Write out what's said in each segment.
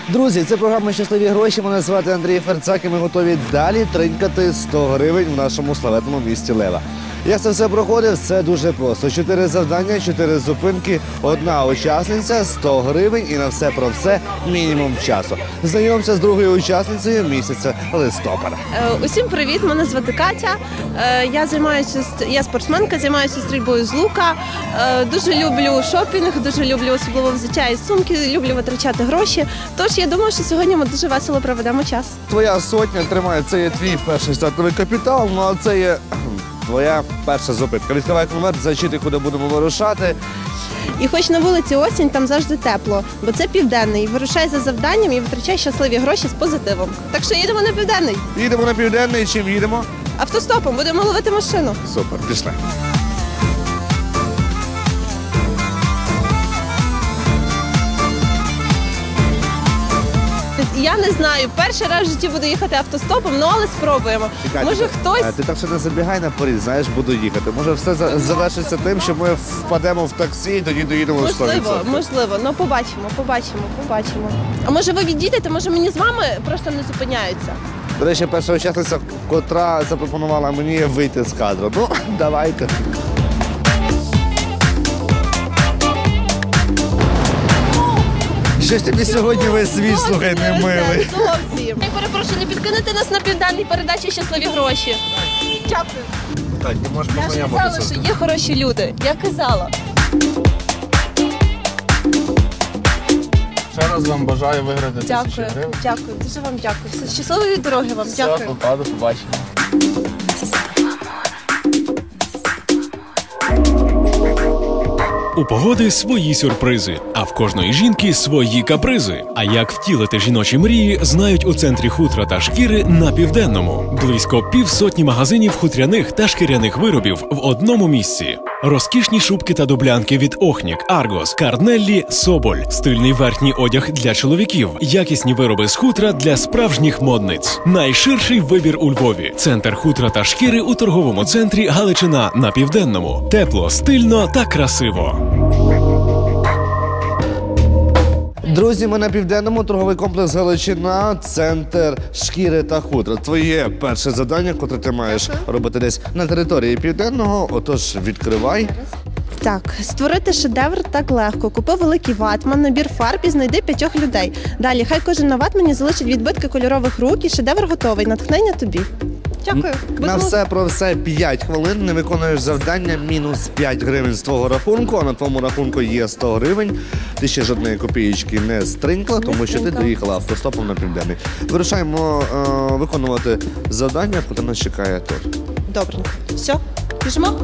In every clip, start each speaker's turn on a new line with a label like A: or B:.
A: Друзі, це програма «Щасливі гроші». Мене звати Андрій Ферцак і ми готові далі тринькати 100 гривень в нашому славетному місті Лева. Як це все проходив? Це дуже просто. 4 завдання, 4 зупинки, 1 учасниця, 100 гривень і на все про все мінімум часу. Знайомся з другою учасницею місяця листопада.
B: Усім привіт, мене звати Катя. Я спортсменка, займаюся стрільбою з лука. Дуже люблю шопінг, дуже люблю особливо взуття і сумки, люблю витрачати гроші. Тож я думаю, що сьогодні ми дуже весело проведемо час.
A: Твоя сотня тримає, це є твій перший стартовий капітал, ну а це є твоя перша зупинка. Відкривай конверт, зачити, куди будемо вирушати.
B: І хоч на вулиці осінь, там завжди тепло, бо це південний. Вирушай за завданням і витрачай щасливі гроші з позитивом. Так що їдемо на південний.
A: Їдемо на південний, чим їдемо?
B: Автостопом, будемо ловити машину.
A: Супер, пішли.
B: Я не знаю, перший раз в житті буду їхати автостопом, але спробуємо. Може хтось...
A: Ти так ще не забігай наперед, знаєш, буду їхати. Може все завершиться тим, що ми впадемо в таксі і тоді доїдемо 100%.
B: Можливо, ну побачимо. А може ви відійдете, може мені з вами просто не зупиняються?
A: До речі, перша учасниця, котра запропонувала мені вийти з кадру. Ну, давайте. Щось тобі сьогодні весь світ, слухай, не милий.
B: Зовсім. Я перепрошую, не підкинете нас на південній передачі «Щасливі гроші». Дякую.
A: Так, не можеш
B: Я ж казала, що є хороші люди. Я казала.
C: Ще раз вам бажаю виграти 1000 гривень.
B: Дякую, дуже вам дякую. Щасливої дороги вам, дякую.
C: Все, попаду, побачимо.
D: У погоди свої сюрпризи, а в кожної жінки свої капризи. А як втілити жіночі мрії, знають у центрі хутра та шкіри на Південному. Близько півсотні магазинів хутряних та шкіряних виробів в одному місці. Розкішні шубки та дублянки від Охнік, Аргос, Карнеллі, Соболь, стильний верхній одяг для чоловіків, якісні вироби з хутра для справжніх модниць. Найширший вибір у Львові. Центр хутра та шкіри у торговому центрі Галичина на Південному. Тепло, стильно та красиво.
A: Друзі, ми на Південному, торговий комплекс Галичина, центр шкіри та хутра. Твоє перше завдання, котре ти маєш робити десь на території Південного, отож відкривай.
B: Так, створити шедевр так легко. Купи великий ватман, набір фарб і знайди 5 людей. Далі, хай кожен на ватмані залишить відбитки кольорових рук і шедевр готовий. Натхнення тобі. Дякую.
A: На все про все 5 хвилин, не виконуєш завдання, мінус 5 гривень з твого рахунку, а на твоєму рахунку є 100 гривень. Ти ще жодної копієчки не стринькла, тому що ти доїхала автостопом на Південний. Вирушаємо виконувати завдання, яке нас чекає тут.
B: Добренько. Все, біжимо?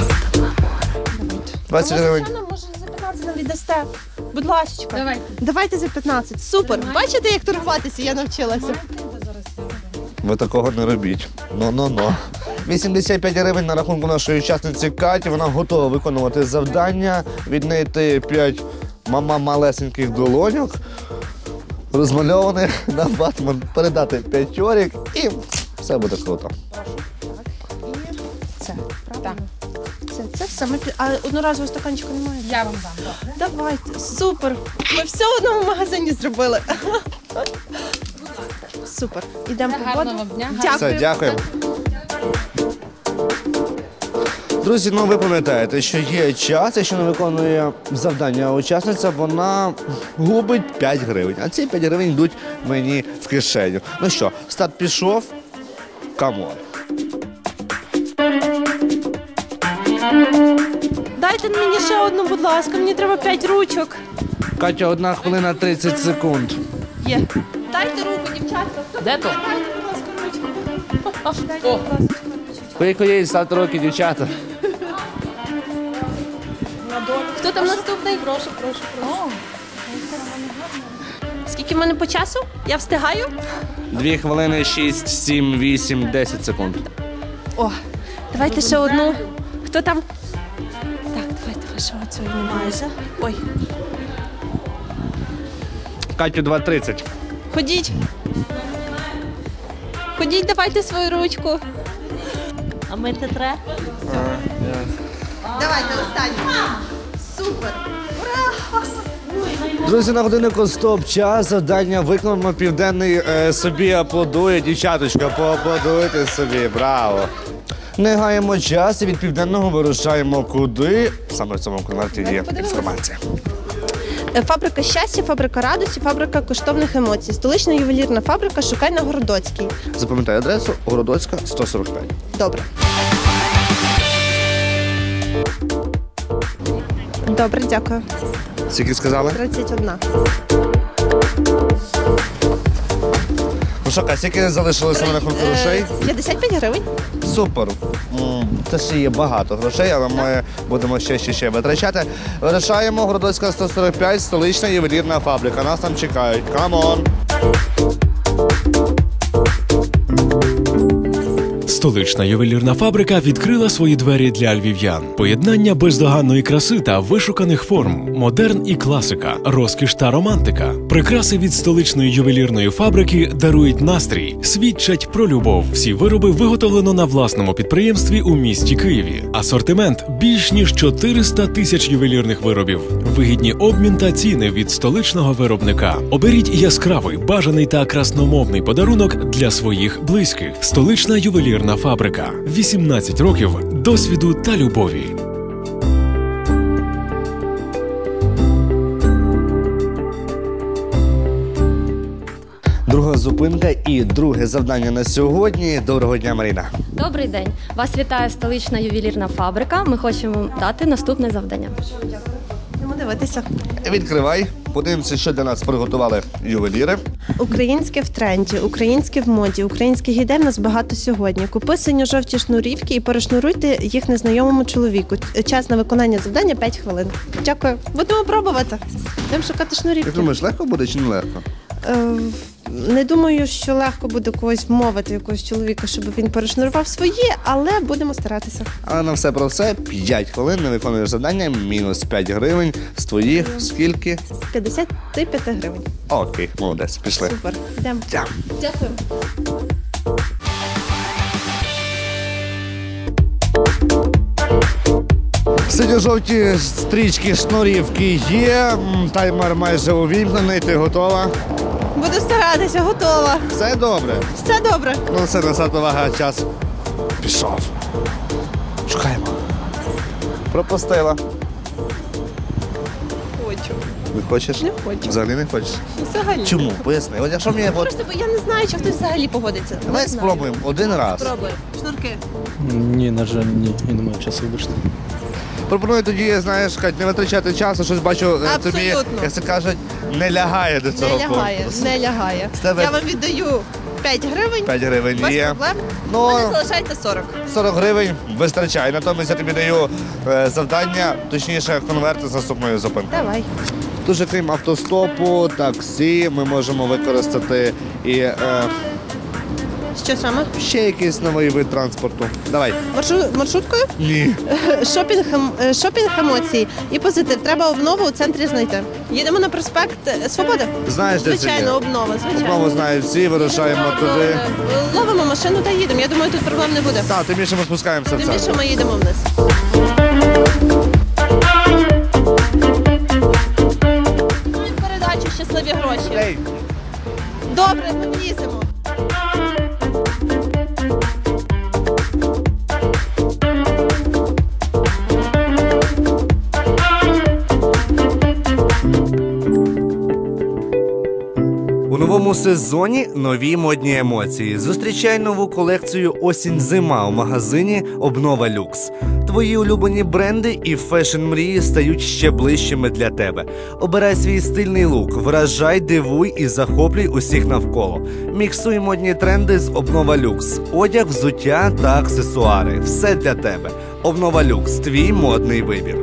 A: 20 гривень.
B: Може за 15 нам віддасте? Будь ласка. Давайте за 15. Супер. Бачите, як торгуватися я навчилася?
A: Ви такого не робіть. Но. 85 гривень на рахунку нашої учасниці Каті. Вона готова виконувати завдання, віднайти 5 малесеньких долоньок, розмальованих на ватман, передати 5 орік і все буде круто.
B: Це, правда? Це все. А одноразового стаканчика немає?
E: Я вам дам.
B: Давайте. Супер. Ми все в одному магазині зробили. Супер. Ідемо по воду.
E: Гарного дня.
B: Дякую.
A: Все, дякуємо. Друзі, ну ви пам'ятаєте, що є час, якщо не виконує завдання учасниця, вона губить 5 гривень. А ці 5 гривень йдуть мені в кишеню. Ну що, старт пішов. Камон.
B: Дайте мені ще одну, будь ласка. Мені треба 5 ручок.
A: Катя, 1 хвилина 30 секунд.
B: Є. Дайте руку, дівчатка.
E: Де то? О,
A: Скільки є, ставте руки, дівчата.
B: Хто там наступний? Прошу. Скільки в мене по часу? Я встигаю?
A: 2 хвилини 6, 7, 8, 10 секунд.
B: О, давайте ще одну. Хто там? Так, давайте ще оцю майже. Ой.
A: Катю, 2:30.
B: Ходіть. Ходіть, давайте свою ручку.
F: А мити треба?
B: Давайте останню. Супер. Ура!
A: Друзі, на годиннику стоп-час. Завдання виконано. Південний собі аплодує. Дівчаточка, поаплодуйте собі. Браво! Не гаємо час і від Південного вирушаємо куди. Саме в цьому конверті є інформація.
B: Фабрика щастя, фабрика радості, фабрика коштовних емоцій. Столична ювелірна фабрика «Шукай» на Городоцькій.
A: Запам'ятай адресу Городоцька, 145.
B: Добре. Добре, дякую.
A: Скільки сказали?
B: 31.
A: Ну що, Катя, скільки залишилося на рахунку грошей?
B: 55 гривень.
A: Супер. Це ще є багато грошей, але ми будемо ще витрачати. Вирішаємо Городоцька 145, столична ювелірна фабрика. Нас там чекають. Камон!
D: Столична ювелірна фабрика відкрила свої двері для львів'ян. Поєднання бездоганної краси та вишуканих форм, модерн і класика, розкіш та романтика. Прикраси від столичної ювелірної фабрики дарують настрій, свідчать про любов. Всі вироби виготовлено на власному підприємстві у місті Києві. Асортимент більш ніж 400 тисяч ювелірних виробів. Вигідні обмін та ціни від столичного виробника. Оберіть яскравий, бажаний та красномовний подарунок для своїх близьких. Столична ювелірна фабрика. 18 років досвіду та любові.
A: Друга зупинка і друге завдання на сьогодні. Доброго дня, Маріна.
E: Добрий день. Вас вітає столична ювелірна фабрика. Ми хочемо дати наступне завдання.
B: Будемо дивитися.
A: Відкривай. Подивимося, що для нас приготували ювеліри.
B: Українське в тренді, українське в моді, українських ідей в нас багато сьогодні. Купи синьо-жовті шнурівки і перешнуруйте їх незнайомому чоловіку. Час на виконання завдання 5 хвилин. Дякую. Будемо пробувати. Будемо шукати шнурівки.
A: Як думаєш, легко буде чи не легко?
B: Не думаю, що легко буде когось вмовити, якогось чоловіка, щоб він перешнурував свої, але будемо старатися.
A: Але на все про все 5 хвилин не виконуєш завдання, мінус 5 гривень. З твоїх скільки?
B: 55 гривень.
A: Окей, молодець, пішли.
B: Супер. Йдемо. Дякую.
A: Синьо-жовті стрічки, шнурівки є. Таймер майже увімкнений, ти готова?
B: Буду старатися, готова.
A: Все добре.
B: Все добре.
A: Ну все, назад увага, час пішов. Шукаємо. Пропустила.
B: Хочу.
A: Не хочеш?
B: Не хочу.
A: Взагалі не хочеш?
B: Взагалі.
A: Чому? Поясни. От якщо мені...
B: Просто бо я не знаю, чи хтось взагалі погодиться.
A: Давай
B: Не знаю.
A: спробуємо один раз.
B: Спробуй. Шнурки.
C: Ні, на жаль, ні. Я не маю часу вибачте.
A: Пропоную тоді, знаєш, Кать, не витрачати часу, щось бачу, тобі,
B: Абсолютно.
A: як це кажуть, не лягає до цього
B: Не лягає,
A: конкурсу.
B: не лягає.
A: З тебе-
B: Я вам віддаю 5 гривень.
A: 5 гривень
B: Без
A: є.
B: проблем.
A: Ну,
B: У мене залишається 40.
A: 40 гривень вистачає. Натомість я тобі даю завдання, точніше, конверт з наступної зупинки.
B: Давай.
A: Дуже крім автостопу, таксі, ми можемо використати і
B: Що саме?
A: ще якийсь новий вид транспорту. Давай.
B: Маршруткою?
A: Ні.
B: Шопінг емоцій і позитив. Треба обнову у центрі знайти. Їдемо на проспект Свободи.
A: Знаєш, де це
B: Звичайно,
A: є?
B: обнова, звичайно.
A: Знову знають всі, вирушаємо туди.
B: Ловимо машину та їдемо. Я думаю, тут проблем не буде.
A: Так, тим більше ми спускаємося в
B: Тим більше
A: центр.
B: ми їдемо вниз. Передачу щасливі гроші.
A: Ей,
B: Добре, ми вліземо.
A: у новому сезоні нові модні емоції. Зустрічай нову колекцію «Осінь-зима» у магазині «Обнова Люкс». Твої улюблені бренди і фешн-мрії стають ще ближчими для тебе. Обирай свій стильний лук, вражай, дивуй і захоплюй усіх навколо. Міксуй модні тренди з «Обнова Люкс». Одяг, взуття та аксесуари. Все для тебе. «Обнова Люкс» – твій модний вибір.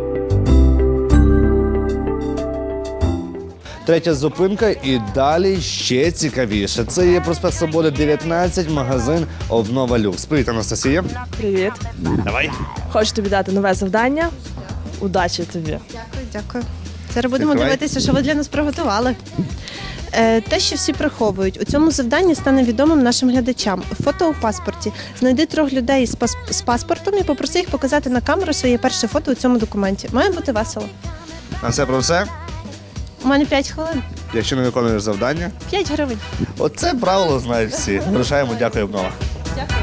A: Третя зупинка і далі ще цікавіше. Це є проспект Свободи 19, магазин «Обнова Люкс». Привіт, Анастасія.
G: Привіт.
A: Давай.
G: Хочу тобі дати нове завдання. Удачі тобі.
B: Дякую, дякую. Зараз будемо
A: Відкривай.
B: дивитися, що ви для нас приготували. Те, що всі приховують, у цьому завданні стане відомим нашим глядачам. Фото у паспорті. Знайди 3 людей з паспортом і попроси їх показати на камеру своє перше фото у цьому документі. Має бути весело.
A: На все про все.
B: У мене 5 хвилин.
A: Якщо не виконуєш завдання,
B: 5 гривень.
A: оце правило знають всі. Вирушаємо, дякую обнова.
B: Дякую.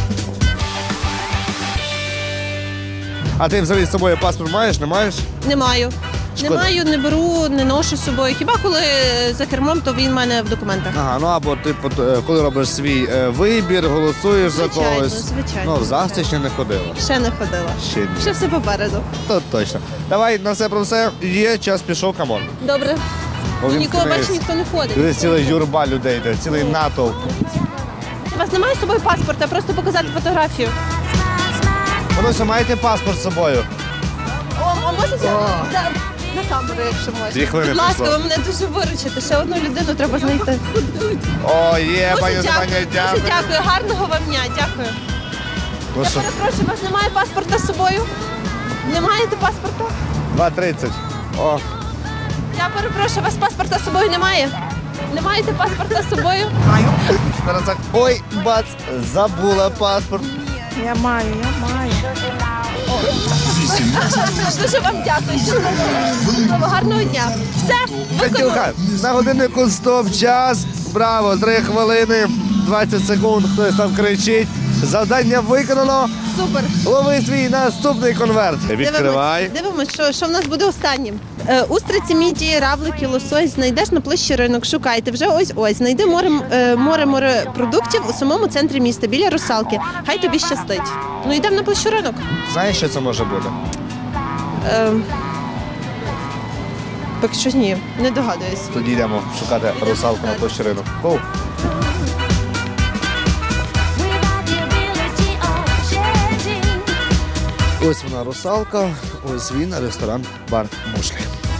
A: А ти взагалі з собою паспорт маєш, не маєш?
B: Не маю.
A: Шкода.
B: Не маю, не беру, не ношу з собою. Хіба коли за кермом, то він в мене в документах.
A: Ага, ну або ти коли робиш свій вибір, голосуєш за
B: Звичайно,
A: когось.
B: звичайно.
A: Ну, в ЗАГС ти ще не ходила.
B: Ще не ходила.
A: Ще ні.
B: Ще все попереду.
A: То точно. Давай на все про все. Є, час пішов, камон.
B: Добре. Ну, нікого
A: Увімкнись.
B: більше ніхто не ходить.
A: Дивись, ціла юрба людей, йде, цілий натовп.
B: У вас немає з собою паспорта, просто показати фотографію.
A: Воно маєте паспорт з собою?
B: О, можете? На камеру, якщо можна.
A: 2 хвилини
B: Будь ласка,
A: пішло.
B: ви мене дуже виручите. Ще одну людину треба знайти.
A: О, є,
B: Дуже
A: пані
B: дякую,
A: Степанія,
B: дуже
A: дякую.
B: дякую. Гарного вам дня, дякую.
A: Ну
B: Я
A: що,
B: перепрошую, у вас немає паспорта з собою? Не маєте паспорта?
A: 2:30. О,
B: Я перепрошую, у вас паспорта з собою немає? Не маєте паспорта з собою?
A: зараз так. Ой, бац, забула паспорт.
G: Я маю.
B: Дуже вам дякую. Щасливо, гарного дня. Все, виконали.
A: Катюха, на годиннику стоп, час. Браво, 3 хвилини, 20 секунд, хтось там кричить. Завдання виконано.
B: Супер.
A: Лови свій наступний конверт. Відкривай.
B: Дивимось, що в нас буде останнім. Устриці, мідії, равлики, лосось знайдеш на площі ринок. Шукайте вже ось. Знайди море продуктів у самому центрі міста, біля русалки. Хай тобі щастить. Ну йдемо на площу ринок.
A: Знаєш, що це може бути?
B: Поки що ні, не догадуюсь.
A: Тоді йдемо шукати русалку на площі ринок. Гоу. Ось вона русалка, ось він, ресторан, бар Мушлі.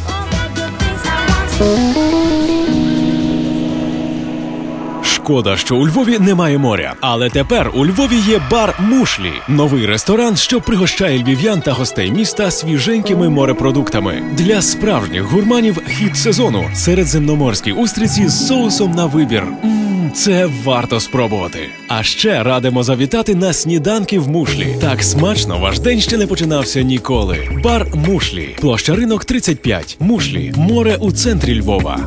D: Шкода, що у Львові немає моря. Але тепер у Львові є бар Мушлі. Новий ресторан, що пригощає львів'ян та гостей міста свіженькими морепродуктами. Для справжніх гурманів хід сезону. Середземноморські устриці з соусом на вибір. Це варто спробувати. А ще радимо завітати на сніданки в Мушлі. Так смачно ваш день ще не починався ніколи. Бар Мушлі. Площа ринок 35. Мушлі. Море у центрі Львова.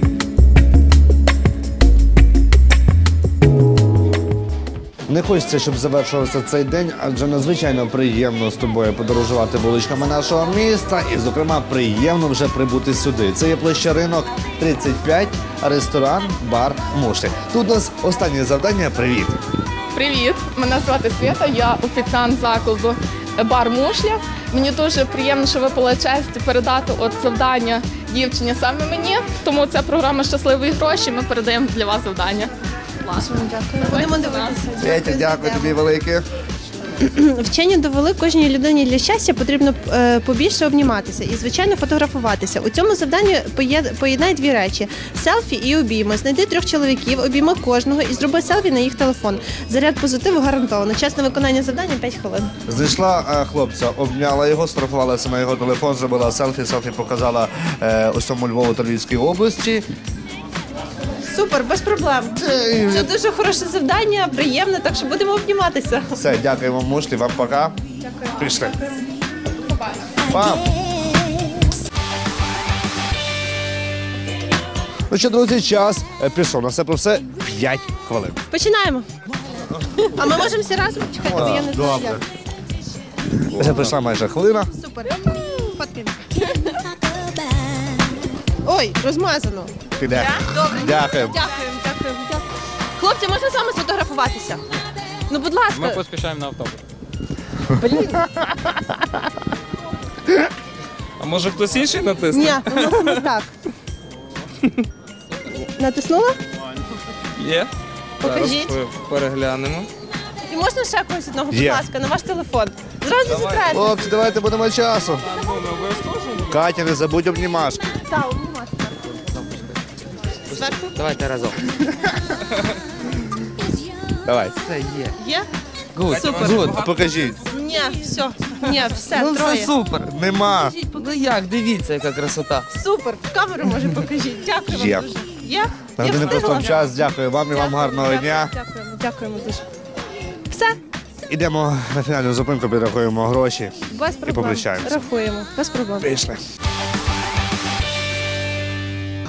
A: Не хочеться, щоб завершувався цей день, адже надзвичайно приємно з тобою подорожувати вуличками нашого міста. І, зокрема, приємно вже прибути сюди. Це є площа ринок 35, ресторан, бар Мушлі. Тут у нас останнє завдання. Привіт.
H: Привіт, мене звати Свята, я офіціант закладу бар Мушля. Мені дуже приємно, що ви честь передати завдання дівчині саме мені. Тому це програма «Щасливі гроші». Ми передаємо для вас завдання.
B: Будемо дивитися.
A: Святя, дякую тобі велике.
B: Вчені довели, кожній людині для щастя потрібно побільше обніматися і, звичайно, фотографуватися. У цьому завданні поєднай 2 речі – селфі і обійми. Знайди 3 чоловіків, обійми кожного і зроби селфі на їх телефон. Заряд позитиву гарантовано. Час на виконання завдання – 5 хвилин.
A: Знайшла хлопця, обняла його, сфотографувалася на його телефон, зробила селфі. Селфі показала усьому Львову та Львівській області.
B: Супер, без проблем. Це дуже хороше завдання, приємне, так що будемо обніматися.
A: Все, дякуємо, Мушлі, вам пока.
B: Дякую.
A: Пішли. Пам. Ну що, друзі, час пішов. На все про все 5 хвилин.
B: Починаємо. А ми можемо всі разом? Чекайте, бо я не знаю,
A: Добре.
B: як.
A: Вже прийшла майже хвилина.
B: Супер. Фоткаємо. Ой, розмазано.
A: Піде.
B: Добре.
A: Дякуємо.
B: Дякуємо. Хлопці, можна з вами сфотографуватися? Ну, будь ласка.
C: Ми поспішаємо на автобус.
B: Блін.
I: А може хтось інший натисне?
B: Ні, у нас не так. Натиснула?
I: Є.
B: Покажіть.
I: Зараз переглянемо.
B: І можна ще когось одного, будь
A: Є.
B: ласка, на ваш телефон. Зразу затратити.
A: Хлопці, давайте будемо часу. Катя, не забудь обнімашки.
B: Так, обнімати. Зверху?
I: Давайте разом.
A: Давай.
I: Це є.
B: Є?
I: Гуд.
B: Супер.
A: А покажіть.
B: Ні, все. Ні, все,
I: Ну
B: троє.
I: все супер.
A: Нема.
I: Ну як, дивіться, яка красота.
B: Супер. В камеру, може, покажіть. Дякую
A: Є.
B: вам дуже. Є?
A: На
B: Я
A: годиннику
B: встигла?
A: стоп час. Дякую вам і вам гарного дня.
B: Дякуємо дуже. Все,
A: Ідемо на фінальну зупинку, підрахуємо гроші.
B: без проблем.
A: попрощаємося.
B: Рахуємо, без проблем.
A: Пішли.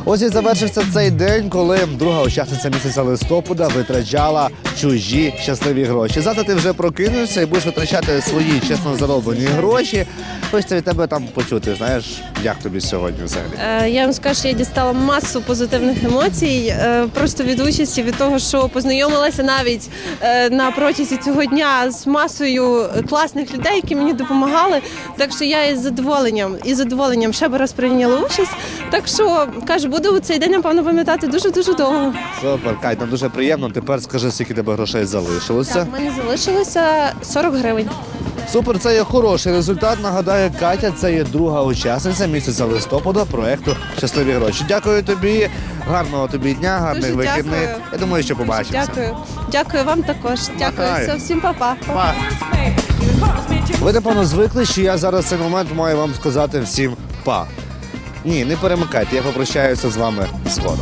A: Ось і завершився цей день, коли друга учасниця місяця листопада витрачала чужі щасливі гроші. Завтра ти вже прокинешся і будеш витрачати свої чесно зароблені гроші. Хочеться від тебе там почути, знаєш, як тобі сьогодні взагалі?
B: Я вам скажу, що я дістала масу позитивних емоцій, просто від участі, від того, що познайомилася навіть на протязі цього дня з масою класних людей, які мені допомагали. Так що я із задоволенням ще б раз прийняла участь. Так що, кажу, буду цей день, напевно, пам'ятати дуже-дуже довго.
A: Супер, Кать, нам дуже приємно. Тепер скажи, скільки тебе грошей залишилося.
B: Так, в мене залишилося 40 гривень.
A: Супер, це є хороший результат. Нагадаю, Катя, це є друга учасниця місяця листопада проекту «Щасливі гроші». Дякую тобі, гарного тобі дня, гарних
B: Дуже
A: вихідних.
B: дякую.
A: Я думаю, що побачимося.
B: Дякую. Дякую вам також. Дякую.
A: Махай.
B: Все, всім па-па.
A: Па. Ви, напевно, звикли, що я зараз в цей момент маю вам сказати всім па. Ні, не перемикайте, я попрощаюся з вами згодом.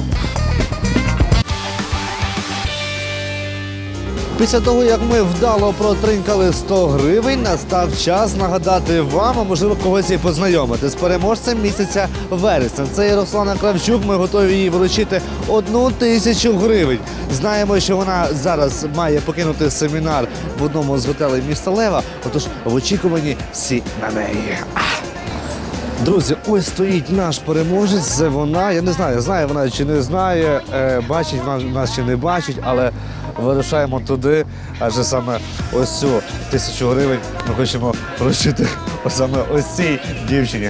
A: Після того, як ми вдало протринкали 100 гривень, настав час нагадати вам, а можливо когось і познайомити з переможцем місяця вересня. Це є Руслана Кравчук, ми готові їй вручити 1000 гривень. Знаємо, що вона зараз має покинути семінар в одному з готелей міста Лева, отож в очікуванні всі на неї. Друзі, ось стоїть наш переможець, це вона. Я не знаю, знає вона чи не знає, бачить вона нас чи не бачить, але вирушаємо туди, адже саме ось цю 1000 гривень ми хочемо вручити саме ось цій дівчині.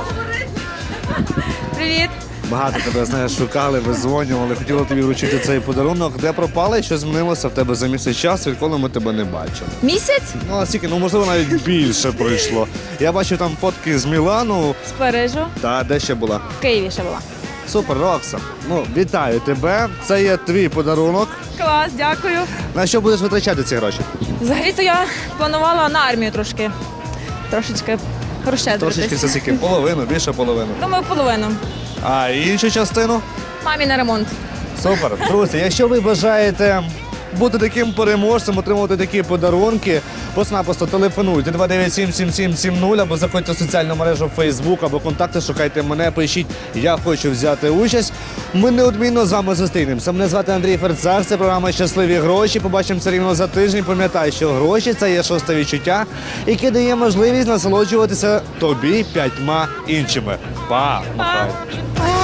J: Привіт!
A: Багато тебе, знаєш, шукали, визвонювали, хотіли тобі вручити цей подарунок. Де пропали, що змінилося в тебе за місяць часу, відколи ми тебе не бачили?
J: Місяць?
A: Ну, а скільки, можливо, навіть більше пройшло. Я бачу там фотки з Мілану.
J: З Парижу.
A: Та де ще була?
J: В Києві ще була.
A: Супер, Рокса. Вітаю тебе. Це є твій подарунок.
J: Клас, дякую.
A: На що будеш витрачати ці гроші?
J: Взагалі-то я планувала на армію трошечки
A: Трошечки
J: розщедритись.
A: це скільки? Половину, більше половину.
J: Думаю, половину.
A: А іншу частину?
J: Мамі на ремонт.
A: Супер. Друзі, якщо ви бажаєте бути таким переможцем, отримувати такі подарунки, просто-напросто телефонуйте 297-7770 або заходьте в соціальну мережу Facebook або контакти, шукайте мене, пишіть «Я хочу взяти участь». Ми неодмінно з вами зустрінемося. Мене звати Андрій Ферцак, це програма «Щасливі гроші». Побачимося рівно за тиждень. Пам'ятай, що гроші – це є шосте відчуття, яке дає можливість насолоджуватися тобі 5 іншими. Па! Махай!